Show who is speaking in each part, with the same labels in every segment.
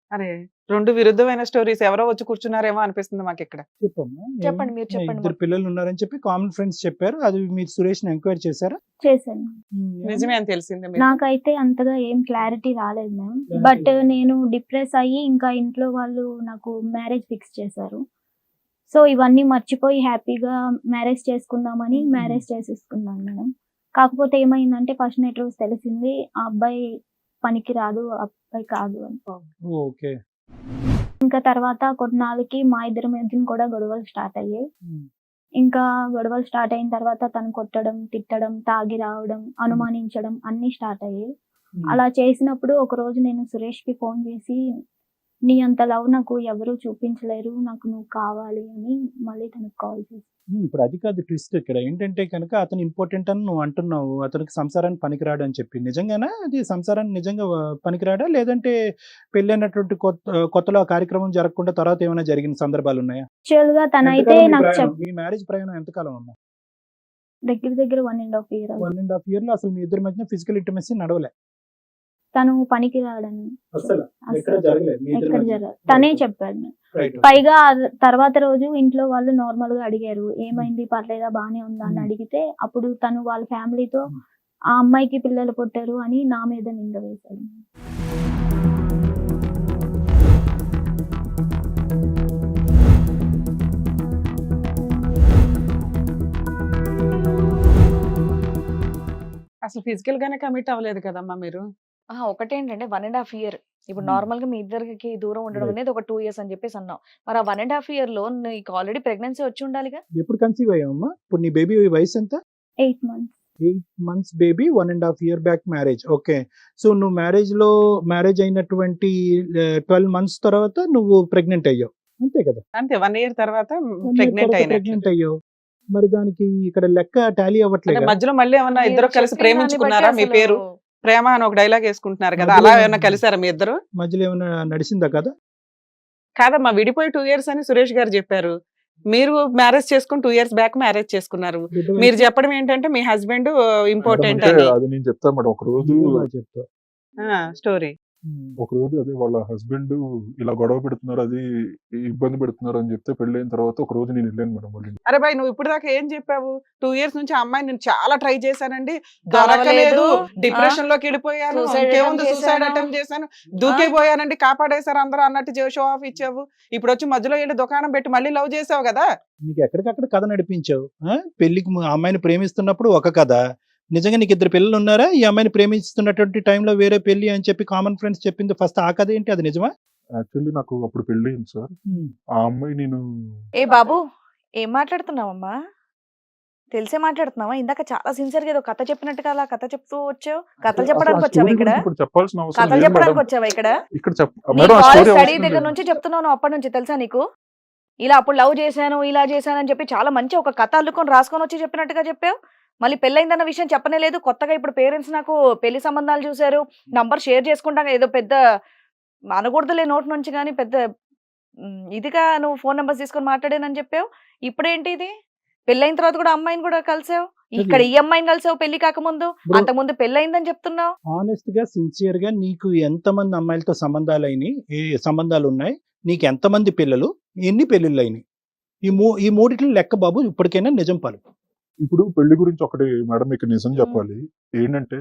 Speaker 1: అరే! 2 విరుద్ధమైన స్టోరీస్ ఎవరో వచ్చి కూర్చున్నారేమో అనిపిస్తుంది మాకిక్కడ.
Speaker 2: చెప్పమ్మా.
Speaker 3: చెప్పండి మీరు చెప్పండి
Speaker 2: ఇద్దరు
Speaker 3: మొత్తం.
Speaker 2: పిల్లలు ఉన్నారని చెప్పి కామన్ ఫ్రెండ్స్ చెప్పారు. అది మీరు సురేష్‌ని ఎంక్వైరీ చేశారా?
Speaker 4: చేశాను.
Speaker 1: నిజమే అని తెలిసింది మీకు.
Speaker 4: నాకైతే అంతగా ఏం క్లారిటీ రాలేదు మ్యామ్. బట్ నేను డిప్రెస్ అయ్యి ఇంకా ఇంట్లో వాళ్ళు నాకు మ్యారేజ్ ఫిక్స్ చేశారు. సో ఇవన్నీ మర్చిపోయి హ్యాపీగా మ్యారేజ్ చేసుకుందామని మ్యారేజ్ చేసేసుకున్నాను మేడం. కాకపోతే ఏమైందంటే ఫస్ట్ నైట్ రోజు తెలిసింది ఆ అబ్బాయి పనికి రాదు, ఆ అబ్బాయి కాదు అని.
Speaker 2: ఓకే.
Speaker 4: ఇంకా తర్వాత కొన్నాళ్ళకి మా ఇద్దరి మధ్యన కూడా గొడవలు స్టార్ట్ అయ్యాయి. ఇంకా గొడవలు స్టార్ట్ అయిన తర్వాత తను కొట్టడం, తిట్టడం, తాగి రావడం, అనుమానించడం అన్నీ స్టార్ట్ అయ్యాయి. అలా చేసినప్పుడు ఒకరోజు నేను సురేష్‌కి ఫోన్ చేసి, "నీ అంత లవ్ నాకు ఎవరు చూపించలేరు. నాకు నువ్వు కావాలి" అని మళ్ళీ తనకి కాల్ చేశాను.
Speaker 2: ఇప్పుడు అది కాదు ట్విస్ట్ ఇక్కడ. ఏంటంటే కనుక అతను ఇంపార్టెంట్ అని నువ్వు అంటున్నావు. అతనికి సంసారానికి పనికిరాడు అని చెప్పి. నిజంగానా? అది సంసారానికి నిజంగా పనికిరాడా? లేదంటే పెళ్ళైనటువంటి కొత్తలో ఆ కార్యక్రమం జరగకుండా తర్వాత ఏమైనా జరిగిన సందర్భాలు ఉన్నాయా?
Speaker 4: యాక్చువల్‌గా తనైతే
Speaker 2: ఎంతకాలం మీ
Speaker 4: నాకు
Speaker 2: ప్రయాణం? మీ మ్యారేజ్ ప్రయాణం ఎంతకాలం అమ్మా?
Speaker 4: దగ్గర దగ్గర 1.5 ఇయర్ అవుతుంది.
Speaker 2: 1.5 ఇయర్‌లో అసలు మీ ఇద్దరి మధ్యన ఫిజికల్ ఇంటిమసీ నడవలే.
Speaker 4: తను పనికి రాడని
Speaker 2: ఎక్కడ
Speaker 4: అసలు
Speaker 2: జరగలేదు మీ ఇద్దరి
Speaker 4: ఎక్కడ
Speaker 2: మధ్య?
Speaker 4: జరగదు. తనే చెప్పాడు నాకు.
Speaker 2: రైట్.
Speaker 4: పైగా తర్వాత రోజు ఇంట్లో వాళ్ళు నార్మల్ గా అడిగారు, "ఏమైంది, పర్లేదా, బానే ఉందా" అని అడిగితే అప్పుడు తను వాళ్ళ ఫ్యామిలీతో ఆ అమ్మాయికి పిల్లలు పుట్టారు అని నా మీద నింద వేశాడు.
Speaker 1: అసలు ఫిజికల్ గానే కమిట్ అవ్వలేదు కదమ్మా మీరు.
Speaker 3: ఒకటేంటంటే 1.5 ఇయర్. ఇప్పుడు
Speaker 2: Hmm.
Speaker 3: నార్మల్ గా మీ ఇద్దరికి దూరం ఉండడం
Speaker 2: Right.
Speaker 3: అనేది ఒక 2 ఇయర్స్ అని చెప్పేసి అన్నావు. మరి ఆ 1.5 ఇయర్ లో నీకు ఆల్రెడీ ప్రెగ్నెన్సీ వచ్చి ఉండాలిగా?
Speaker 2: ఎప్పుడు కన్సీవ్ అయ్యావమ్మా? ఇప్పుడు నీ బేబీ వయసు ఎంత?
Speaker 4: 8 months.
Speaker 2: 8 months baby, 1.5 year back marriage. Okay. So నువ్వు మ్యారేజ్ అయినటువంటి 12 months తర్వాత నువ్వు ప్రెగ్నెంట్ అయ్యావు. అంతే కదా?
Speaker 1: అంతే 1 ఇయర్ తర్వాత ప్రెగ్నెంట్ అయినట్లు.
Speaker 2: ప్రెగ్నెంట్ అయ్యావు. మరి దానికి ఇక్కడ లెక్క టాలీ
Speaker 1: అంటే
Speaker 2: అవ్వట్లేదు.
Speaker 1: మధ్యలో మళ్ళీ ఏమన్నా
Speaker 3: మీరు
Speaker 1: ఇద్దరు కలిసి
Speaker 3: చెప్పిన
Speaker 1: ప్రేమించుకున్నారా?
Speaker 3: దాన్ని
Speaker 1: మీ
Speaker 3: బట్టి
Speaker 1: పేరు
Speaker 3: అసలు
Speaker 1: ప్రేమ అని ఒక డైలాగ్ వేసుకుంటున్నారు కదా,
Speaker 2: మధ్యలో
Speaker 1: అలా ఏమన్నా కలిసారా మీ ఇద్దరు?
Speaker 2: మధ్యలో ఏమైనా నడిచిందా కదా?
Speaker 1: కాదమ్మా, విడిపోయి 2 ఇయర్స్ అని సురేష్ గారు చెప్పారు. మీరు మ్యారేజ్ చేసుకుని 2 ఇయర్స్ బ్యాక్ మ్యారేజ్ చేసుకున్నారు.
Speaker 2: బిడ్డ
Speaker 1: మీరు
Speaker 2: వయసు
Speaker 1: చెప్పడం ఏంటంటే మీ హస్బెండ్ ఇంపార్టెంట్
Speaker 5: అంటే
Speaker 1: అని
Speaker 5: అది నేను చెప్తాను మేడం. ఒక రోజు
Speaker 2: నువ్వే చెప్తా.
Speaker 1: స్టోరీ.
Speaker 5: ఒక రోజు అదే వాళ్ళ హస్బెండ్ ఇలా గొడవ పెడుతున్నారు, అది ఇబ్బంది పెడుతున్నారు అని చెప్తే పెళ్ళైన తర్వాత ఒక రోజు నేను వెళ్ళాను మేడం వాళ్ళ ఇంటికి.
Speaker 1: అరే బాయ్, నువ్వు ఇప్పుడు దాకా ఏం చెప్పావు? 2 ఇయర్స్ నుంచి ఆ అమ్మాయి నేను చాలా ట్రై చేశానండి,
Speaker 3: కలవలేదు.
Speaker 1: దొరకలేదు, డిప్రెషన్ లోకి వెళ్ళిపోయాను,
Speaker 3: Suicide
Speaker 1: ఇంకేముంది
Speaker 3: attempt
Speaker 1: సూసైడ్
Speaker 3: చేశాను.
Speaker 1: అటెంప్ట్ చేశాను, దూకేపోయానండి, కాపాడేశారు అందరూ అన్నట్టు షో ఆఫ్ ఇచ్చావు. ఇప్పుడు వచ్చి మధ్యలో వెళ్ళి దుకాణం పెట్టి మళ్ళీ లవ్ చేసావు కదా.
Speaker 2: నీకు ఎక్కడికక్కడ కథ నడిపించావు. పెళ్లికి ఆ అమ్మాయిని ప్రేమిస్తున్నప్పుడు ఒక కథ, నిజంగా నీకు ఇద్దరు పిల్లలు ఉన్నారా? ఈ అమ్మాయిని ప్రేమిస్తున్నటువంటి టైంలో వేరే పెళ్లి అని చెప్పి కామన్ ఫ్రెండ్స్ చెప్పింది ఫస్ట్ ఆ కథ ఏంటి? అది నిజమా?
Speaker 5: యాక్చువల్లీ నాకు అప్పుడు పెళ్ళి అయింది సార్. ఆ అమ్మాయి నేను
Speaker 3: ఏ బాబు, ఏం మాట్లాడుతున్నావమ్మా? తెలిసే మాట్లాడుతున్నావా? ఇందాక చాలా సిన్సియర్ గా ఏదో కథ చెప్పినట్టుగా అలా కథ చెప్తూ వచ్చావు. కథలు
Speaker 5: అసలు
Speaker 3: చెప్పడానికి
Speaker 5: ఆ
Speaker 3: వచ్చావా
Speaker 5: స్టోరీ
Speaker 3: ఇక్కడ?
Speaker 5: గురించి ఇప్పుడు చెప్పాల్సిన అవసరం
Speaker 3: కథలు
Speaker 5: లేదు
Speaker 3: చెప్పడానికి
Speaker 5: మేడం.
Speaker 3: వచ్చావా ఇక్కడ?
Speaker 5: ఇక్కడ
Speaker 3: నీ
Speaker 5: మేడం ఆ
Speaker 3: కాలేజ్
Speaker 5: స్టోరీ
Speaker 3: స్టడీ
Speaker 5: అవసరం
Speaker 3: దగ్గర
Speaker 5: లేదు.
Speaker 3: నుంచి చెప్తున్నావు నువ్వు అప్పటి నుంచి, తెలుసా నీకు? ఇలా అప్పుడు లవ్ చేశాను, ఇలా చేశాను అని చెప్పి చాలా మంచి ఒక కథ అల్లుకొని రాసుకొని వచ్చి చెప్పినట్టుగా చెప్పావు. మళ్ళీ పెళ్ళైందన్న విషయం చెప్పనే లేదు. కొత్తగా ఇప్పుడు పేరెంట్స్ నాకు పెళ్లి సంబంధాలు చూశారు, నంబర్ షేర్ చేసుకుంటాం, ఏదో పెద్ద అనకూడదులే నోటి నుంచి, కానీ పెద్ద ఇదిగా నువ్వు ఫోన్ నెంబర్స్ తీసుకొని మాట్లాడానని చెప్పావు. ఇప్పుడేంటి ఇది? పెళ్ళైన తర్వాత కూడా అమ్మాయిని కూడా కలిసావు, ఇక్కడ ఈ అమ్మాయిని కలిసావు పెళ్లి కాకముందు,
Speaker 2: ఇప్పుడు
Speaker 3: అంతకుముందు పెళ్ళైందని చెప్తున్నావు.
Speaker 2: ఆనెస్ట్ గా సిన్సియర్ గా నీకు ఎంతమంది అమ్మాయిలతో సంబంధాలు అయినాయి? ఏ సంబంధాలు ఉన్నాయి? నీకు ఎంతమంది పిల్లలు? ఎన్ని పెళ్లిళ్ళు అయినాయి? ఈ మూడిట్లో లెక్క బాబు ఇప్పటికైనా నిజం పాలు.
Speaker 5: ఇప్పుడు పెళ్లి గురించి ఒకటి మేడం మీకు నిజం చెప్పాలి. ఏంటంటే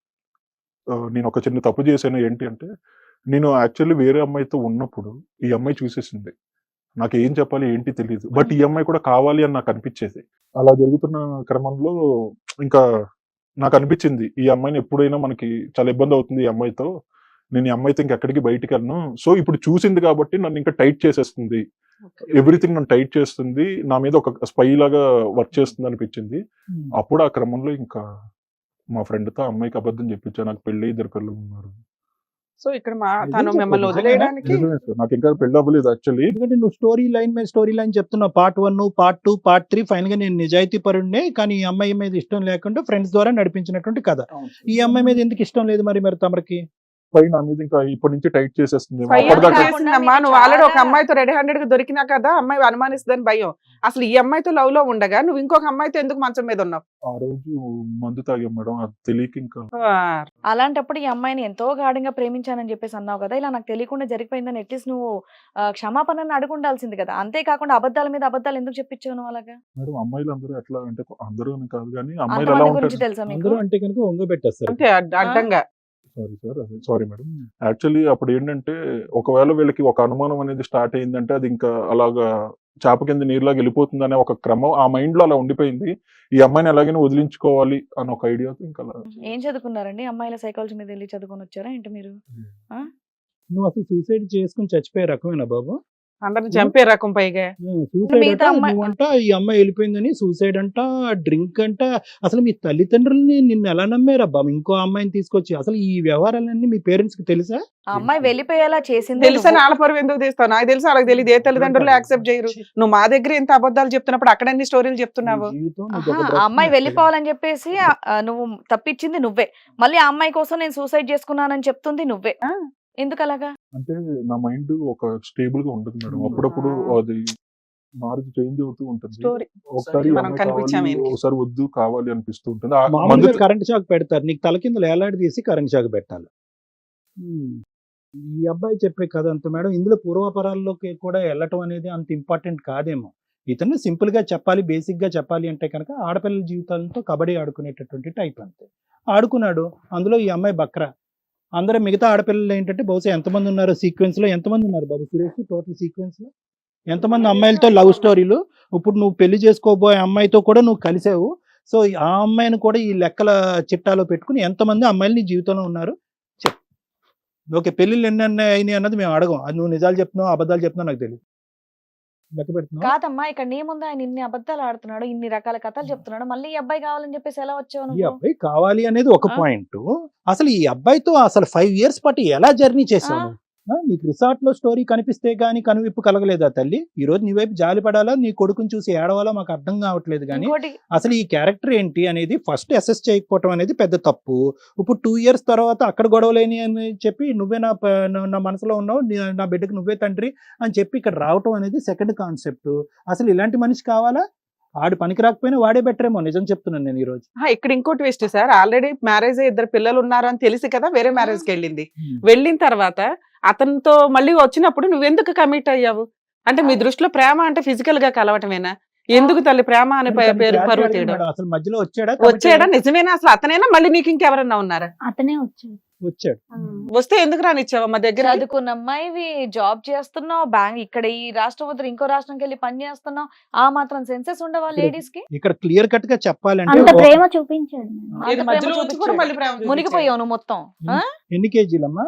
Speaker 5: నేను ఒక చిన్న తప్పు చేశాను. ఏంటి అంటే నేను యాక్చువల్లీ వేరే అమ్మాయితో ఉన్నప్పుడు ఈ అమ్మాయి చూసేసింది. నాకు ఏం చెప్పాలి ఏంటి తెలియదు. బట్ ఈ అమ్మాయి కూడా కావాలి అని నాకు అనిపించేది. అలా జరుగుతున్న క్రమంలో ఇంకా నాకు అనిపించింది ఈ అమ్మాయిని ఎప్పుడైనా మనకి చాలా ఇబ్బంది అవుతుంది ఈ అమ్మాయితో, నేను ఈ అమ్మాయితో ఇంకెక్కడికి బయటికి వెళ్ళను. సో ఇప్పుడు చూసింది కాబట్టి నన్ను ఇంకా టైట్ చేసేస్తుంది, ఎవ్రీథింగ్ నన్ను టైట్ చేస్తుంది, నా మీద ఒక స్పై లాగా వర్క్ చేస్తుంది అనిపించింది. అప్పుడు ఆ క్రమంలో ఇంకా మా ఫ్రెండ్ తో అమ్మాయికి అబద్ధం చెప్పించా, నాకు పెళ్లి 2 పిల్లలు ఉన్నారు.
Speaker 1: సో ఇక్కడ
Speaker 2: నిజం
Speaker 1: తను
Speaker 2: చెప్పు,
Speaker 1: మిమ్మల్ని
Speaker 2: నిజమేనా?
Speaker 1: వదిలేయడానికి
Speaker 5: నిజమే సార్, నాకు ఇంకా పెళ్లి అవ్వలేదు యాక్చువల్లీ.
Speaker 2: ఎందుకంటే నువ్వు స్టోరీ లైన్ మీద స్టోరీ లైన్ చెప్తున్నావు. పార్ట్ 1, పార్ట్ 2, పార్ట్ 3, ఫైనల్ గా నేను నిజాయితీ పరుడినే, కానీ ఈ అమ్మాయి మీద ఇష్టం లేకుండా ఫ్రెండ్స్ ద్వారా నడిపించినటువంటి కథ. ఈ అమ్మాయి మీద ఎందుకు ఇష్టం లేదు మరి తమరికి?
Speaker 5: పై నా మీద ఇంకా ఇప్పటి నుంచి టైట్ చేసేస్తుంది
Speaker 1: పై
Speaker 5: అప్పటిదాకా
Speaker 3: కాకుండా
Speaker 1: చేసిందమ్మా
Speaker 3: మీకు
Speaker 1: నువ్వు ఆల్రెడీ ఒక
Speaker 3: చాలా-
Speaker 1: అమ్మాయితో రెడీ హ్యాండెడ్ గా దొరికినా కదా అమ్మాయి అనుమానిస్తుందని భయం. అసలు ఈ అమ్మాయితో లవ్ లో ఉండగా నువ్వు ఇంకొక అమ్మాయితో ఎందుకు మంచం మీద ఉన్నావు?
Speaker 5: ఆ రోజు మందు తాగాం మేడం, అది తెలియక ఇంకా
Speaker 3: అలాంటప్పుడు ఈ అమ్మాయిని ఎంతో గాఢంగా ప్రేమించానని చెప్పేసి అన్నావు కదా, ఇలా నాకు తెలియకుండా జరిగిపోయిందని అట్లీస్ట్ నువ్వు క్షమాపణను అడుగుండాల్సింది కదా. అంతేకాకుండా అబద్ధాల మీద అబద్ధాలు ఎందుకు చెప్పించావు నువ్వు అలాగా?
Speaker 5: మేడం అమ్మాయిలు అందరూ ఎట్లా అంటే, అందరూ అని కాదు కానీ అమ్మాయిలు ఎలా
Speaker 3: అంతమంది గురించి
Speaker 5: ఉంటారు.
Speaker 3: తెలుసా మీకు?
Speaker 2: అందరూ అంటే కనుక వంగబెట్టేస్తారు.
Speaker 1: అంటే అడ్డంగా
Speaker 5: sorry sir, sorry madam. Actually అప్పుడు ఏంటంటే ఒకవేళ వీళ్ళకి ఒక అనుమానం అనేది స్టార్ట్ అయిందంటే అది ఇంకా అలాగా చేప కింద నీరులాగా వెళ్ళిపోతుంది అనే ఒక క్రమం ఆ మైండ్ లో అలా ఉండిపోయింది. ఈ అమ్మాయిని ఎలాగైనా వదిలించుకోవాలి అని ఒక ఐడియాతో ఇంకా అలా.
Speaker 3: ఏం చదువుకున్నారండి? అమ్మాయిల సైకాలజీ మీద వెళ్ళి చదువుకొని వచ్చారా ఏంటి మీరు?
Speaker 2: నువ్వు అసలు సూసైడ్ చేసుకుని చచ్చిపోయే రకమేనా బాబు?
Speaker 1: అందరిని చంపే రకం పైగా.
Speaker 2: సూసైడ్
Speaker 3: మిగతా అమ్మాయి-
Speaker 2: నువ్వంట ఈ అమ్మాయి వెళ్ళిపోయిందని సూసైడ్ అంట, డ్రింక్ అంట. అసలు మీ తల్లిదండ్రులని నిన్ను ఎలా నమ్మారబ్బా ఇంకో అమ్మాయిని తీసుకొచ్చి? అసలు ఈ వ్యవహారాలన్నీ మీ పేరెంట్స్ కి తెలుసా?
Speaker 3: ఆ అమ్మాయి వెళ్ళిపోయేలా చేసింది
Speaker 1: తెలుసని ఆడపరువు ఎందుకు తీస్తావు? నాకు తెలుసు వాళ్ళకి తెలియదు. ఏ తల్లిదండ్రులు యాక్సెప్ట్ చేయరు. నువ్వు మా దగ్గర ఎంత అబద్ధాలు చెప్తున్నప్పుడు అక్కడ అన్ని స్టోరీలు చెప్తున్నావు.
Speaker 2: నీ జీవితం
Speaker 3: ఆహా,
Speaker 2: నీకు ఒక
Speaker 3: ఆ
Speaker 2: బ్రతుకు
Speaker 3: అమ్మాయి
Speaker 2: నచ్చలేదు.
Speaker 3: వెళ్ళిపోవాలని చెప్పేసి నువ్వు తప్పించింది నువ్వే. మళ్ళీ ఆ అమ్మాయి కోసం నేను సూసైడ్ చేసుకున్నానని చెప్తుంది నువ్వే.
Speaker 1: ఆ.
Speaker 3: ఎందుకు అలాగా?
Speaker 5: అంటే నా మైండ్ ఒక స్టేబుల్ గా ఉండదు మేడం. అప్పుడప్పుడు అది మారుతు చేంజ్ అవుతూ ఉంటుంది.
Speaker 1: స్టోరీ
Speaker 5: ఒకసారి ఈ
Speaker 1: మనం
Speaker 5: అమ్మాయి
Speaker 1: కనిపించాం
Speaker 5: కావాలి,
Speaker 1: ఈయనకి.
Speaker 5: ఒకసారి వద్దు కావాలి అనిపిస్తూ ఉంటుంది. ఆ
Speaker 2: మామూలుగా
Speaker 5: మందు
Speaker 2: కరెంట్ షాక్ పెడతారు, నీకు తల కింద వేలాడి తీసి కరెంట్ షాక్ పెట్టాలి. ఈ అబ్బాయి చెప్పే కథ అంత మేడం ఇందులో పూర్వాపరాల్లోకి కూడా వెళ్ళటం అనేది అంత ఇంపార్టెంట్ కాదేమో. ఇతను సింపుల్ గా చెప్పాలి, బేసిక్ గా చెప్పాలి అంటే కనుక ఆడపిల్లల జీవితాలతో కబడ్డీ ఆడుకునేటటువంటి టైప్ అంతే. ఆడుకున్నాడు, అందులో ఈ అమ్మాయి బక్రా. అందరూ మిగతా ఆడపిల్లలు ఏంటంటే బహుశా ఎంతమంది ఉన్నారు సీక్వెన్స్ లో, ఎంతమంది ఉన్నారు బాబు సురేష్ టోటల్ సీక్వెన్స్ లో? ఎంతమంది అమ్మాయిలతో లవ్ స్టోరీలు? ఇప్పుడు నువ్వు పెళ్లి చేసుకోబోయే అమ్మాయితో కూడా నువ్వు కలిసావు. సో ఆ అమ్మాయిని కూడా ఈ లెక్కల చిట్టాలో పెట్టుకుని ఎంతమంది అమ్మాయిలు నీ జీవితంలో ఉన్నారు చెప్పు. ఓకే, పెళ్ళిళ్ళు ఎన్ని అయినాయి అన్నది మేము అడగం. అది నువ్వు నిజాలు చెప్తున్నావు అబద్ధాలు చెప్తున్నావు నాకు తెలియదు. లెక్క పెడుతున్నావు.
Speaker 3: కాదమ్మా, ఇక్కడ నీ ముందు ఆయన ఇన్ని అబద్ధాలు ఆడుతున్నాడు, ఇన్ని రకాల కథలు చెప్తున్నాడు, మళ్ళీ ఈ అబ్బాయి కావాలని చెప్పేసి ఎలా వచ్చావు
Speaker 2: ఈ
Speaker 3: నువ్వు?
Speaker 2: అబ్బాయి కావాలి అనేది ఒక
Speaker 3: ఆ?
Speaker 2: పాయింట్. అసలు ఈ అబ్బాయితో అసలు 5 years పాటు ఎలా జర్నీ చేశావు? నీకు రిసార్ట్ లో స్టోరీ కనిపిస్తే గానీ కనువిప్పు కలగలేదా తల్లి? ఈ రోజు నీ వైపు జాలి పడాలా, నీ కొడుకుని చూసి ఏడవాలా మాకు అర్థం కావట్లేదు. కానీ
Speaker 3: ఇంకోటి
Speaker 2: అసలు ఈ క్యారెక్టర్ ఏంటి అనేది ఫస్ట్ అసెస్ చేయకపోవటం అనేది పెద్ద తప్పు. ఇప్పుడు 2 years తర్వాత అక్కడ గొడవలేని అని చెప్పి నువ్వే నా మనసులో ఉన్నావు, నా బిడ్డకు నువ్వే తండ్రి అని చెప్పి ఇక్కడ రావటం అనేది సెకండ్ కాన్సెప్ట్. అసలు ఇలాంటి మనిషి కావాలా? ఆడు పనికి రాకపోయినా వాడే బెటర్ ఏమో, నిజం చెప్తున్నాను నేను ఈ రోజు.
Speaker 1: ఇక్కడ ఇంకో ట్విస్ట్ సార్, ఆల్రెడీ మ్యారేజ్ 2 పిల్లలు ఉన్నారు అని తెలిసి కదా వేరే మ్యారేజ్ కి వెళ్ళింది. వెళ్ళిన తర్వాత అతనితో మళ్ళీ వచ్చినప్పుడు నువ్వెందుకు కమిట్ అయ్యావు? అంటే మీ దృష్టిలో ప్రేమ అంటే ఫిజికల్ గా కలవటమేనా? ఎందుకు తల్లి ప్రేమ అనే పేరు పరువు తీయడం?
Speaker 2: అసలు మధ్యలో వచ్చాడా?
Speaker 1: వచ్చాడా? నిజమేనా? అసలు అతనేనా మళ్ళీ నీకు ఇంకెవరన్నా ఉన్నారా?
Speaker 4: అతనే వచ్చాడు.
Speaker 2: వచ్చాడు.
Speaker 1: వస్తే ఎందుకు రానిచ్చావా మా దగ్గర?
Speaker 3: చదువుకున్న అమ్మాయివి, జాబ్ చేస్తున్నావు, బ్యాంక్ ఇక్కడ ఈ రాష్ట్రం వద్ద ఇంకో రాష్ట్రంకి వెళ్ళి పని చేస్తున్నావు, ఆ మాత్రం సెన్సెస్ ఉండవా లేడీస్ కి?
Speaker 2: ఇక్కడ క్లియర్ కట్ గా చెప్పాలంటే
Speaker 4: అంత ప్రేమ చూపించాడు మేడం.
Speaker 3: అంత
Speaker 1: ఇది
Speaker 3: ప్రేమ
Speaker 1: మధ్యలో వచ్చి కూడా
Speaker 3: చూపించాడు.
Speaker 1: మళ్ళీ ప్రేమ చూపించాడు.
Speaker 3: మునిగిపోయావు నువ్వు మొత్తం. ఆ?
Speaker 2: ఎన్ని కేజీలమ్మా?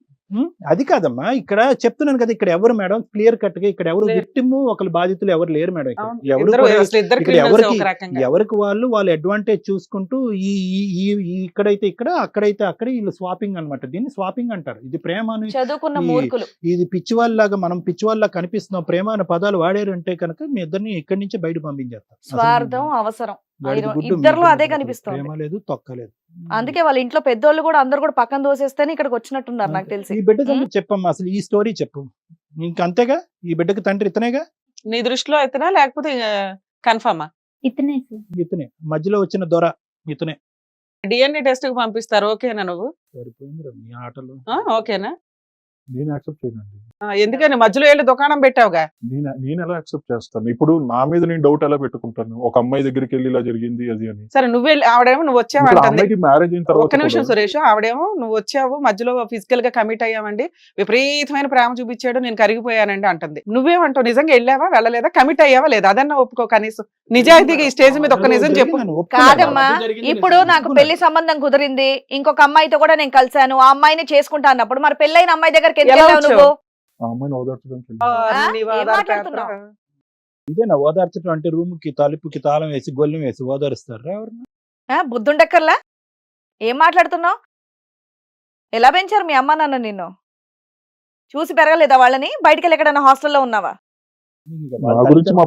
Speaker 2: అది కాదమ్మా, ఇక్కడ చెప్తున్నాను కదా, ఇక్కడ ఎవరు మేడం క్లియర్ కట్ గా ఇక్కడ ఎవరు
Speaker 1: లేరు.
Speaker 2: విక్టిమ్ ఒకరు బాధితులు ఎవరు లేరు మేడం. ఇక్కడ
Speaker 1: అవును.
Speaker 2: ఎవరు
Speaker 1: ఇద్దరు
Speaker 2: కూడా
Speaker 1: అసలు ఇద్దరు
Speaker 2: ఇక్కడ
Speaker 1: criminals
Speaker 2: ఎవరికి
Speaker 1: ఒక రకంగా.
Speaker 2: ఎవరికి వాళ్ళు అడ్వాంటేజ్ చూసుకుంటూ ఈ ఈ- ఈ- ఈ ఇక్కడైతే ఇక్కడ అక్కడైతే అక్కడ వీళ్ళు స్వాపింగ్ అన్నమాట. దీన్ని స్వాపింగ్ అంటారు. ఇది ప్రేమ అని
Speaker 3: చదువుకున్న
Speaker 2: ఈ-
Speaker 3: మూర్ఖులు.
Speaker 2: ఇది పిచ్చివాళ్ళలాగా మనం పిచ్చివాళ్ళ కనిపిస్తున్నాం. ప్రేమ అనే పదాలు వాడారు అంటే కనుక మీ ఇద్దరిని ఇక్కడి నుంచి బయట పంపించేస్తారు. అసలు
Speaker 3: స్వార్థం, అవసరం,
Speaker 2: వాడికి
Speaker 3: ఐరో-
Speaker 2: గుడ్డు, మీ
Speaker 3: ఇద్దరిలో
Speaker 2: ఇద్దరిలో
Speaker 3: అదే
Speaker 2: గుడ్డు.
Speaker 3: కనిపిస్తోంది.
Speaker 2: ప్రేమ లేదు, తొక్కలేదు.
Speaker 3: అందుకే వాళ్ళ ఇంట్లో పెద్దోళ్ళు కూడా అందరు కూడా పక్కన దోసేస్తేనే ఇక్కడికి వచ్చినట్టున్నారు నాకు తెలిసి.
Speaker 2: ఈ బిడ్డ సంగతి చెప్పమ్మా, అసలు ఈ స్టోరీ చెప్పు. ఇంకంతేగా, ఈ బిడ్డకి తండ్రి ఇతనేగా.
Speaker 1: నీ దృష్టిలో అయితేనా లేకపోతే కన్ఫర్మా?
Speaker 4: ఇతనే సార్.
Speaker 2: ఇతనే మధ్యలో వచ్చిన దొర ఇతనే.
Speaker 1: డిఎన్ఏ టెస్ట్ కి పంపిస్తారు, ఓకేనా నువ్వు?
Speaker 2: సరిపోయిందిరా మీ ఆటలు.
Speaker 1: ఓకేనా?
Speaker 5: నేను యాక్సెప్ట్ చేయనండి.
Speaker 1: ఎందుకని మధ్యలో వెళ్ళి దుకాణం పెట్టావుగా?
Speaker 5: నేను ఎలా యాక్సెప్ట్ చేస్తాను? ఇప్పుడు నా మీద నేను డౌట్ ఎలా పెట్టుకుంటాను? ఒక అమ్మాయి దగ్గరికి వెళ్ళి ఇలా జరిగింది అది అని.
Speaker 1: సరే నువ్వే ఆవిడేమో నువ్వు వచ్చావు
Speaker 5: ఇప్పుడు ఆ
Speaker 1: అంటుంది.
Speaker 5: అమ్మాయికి మ్యారేజ్ అయిన తర్వాత
Speaker 1: ఒక్క నిమిషం
Speaker 5: కూడా
Speaker 1: సురేష్, ఆవిడేమో నువ్వు వచ్చావు మధ్యలో ఫిజికల్ గా కమిట్ అయ్యామండి, విపరీతమైన ప్రేమ చూపించాడు, నేను కరిగిపోయానండి అంటుంది. నువ్వేమంటావు? నిజంగా వెళ్ళావా వెళ్ళలేదా? కమిట్ అయ్యావా లేదా? అదన్నా ఒప్పుకో కనీసం. నిజాయితీగా ఈ స్టేజ్ మీద ఒక్క నిజం చెప్పు.
Speaker 3: కాదమ్మా, ఇప్పుడు నాకు పెళ్లి సంబంధం కుదిరింది, ఇంకొక అమ్మాయితో కూడా నేను కలిశాను, ఆ అమ్మాయిని చేసుకుంటా అన్నప్పుడు మరి పెళ్ళైన అమ్మాయి దగ్గరికి ఎందుకు
Speaker 1: ఎలా
Speaker 3: వెళ్ళావు నువ్వు?
Speaker 5: ఆ అమ్మాయిని ఓదార్చడానికి వెళ్ళాను.
Speaker 1: నీ
Speaker 3: ఏం
Speaker 1: వాదాలు
Speaker 3: మాట్లాడుతున్నావు?
Speaker 1: కాదురా.
Speaker 2: ఇదేనా ఓదార్చడం అంటే? రూమ్ కి తలుపుకి తాళం వేసి గొల్లెం వేసి ఓదారుస్తారా ఎవరన్నా?
Speaker 3: బుద్ధుండక్కర్లా? ఏం మాట్లాడుతున్నావు? ఎలా పెంచారు మీ అమ్మ నాన్న నిన్ను? చూసి పెరగలేదా వాళ్ళని? బయటికి వెళ్ళి ఎక్కడైనా హాస్టల్లో ఉన్నావా?
Speaker 2: ఇంకా
Speaker 5: నా
Speaker 2: వాళ్ళ
Speaker 5: గురించి మా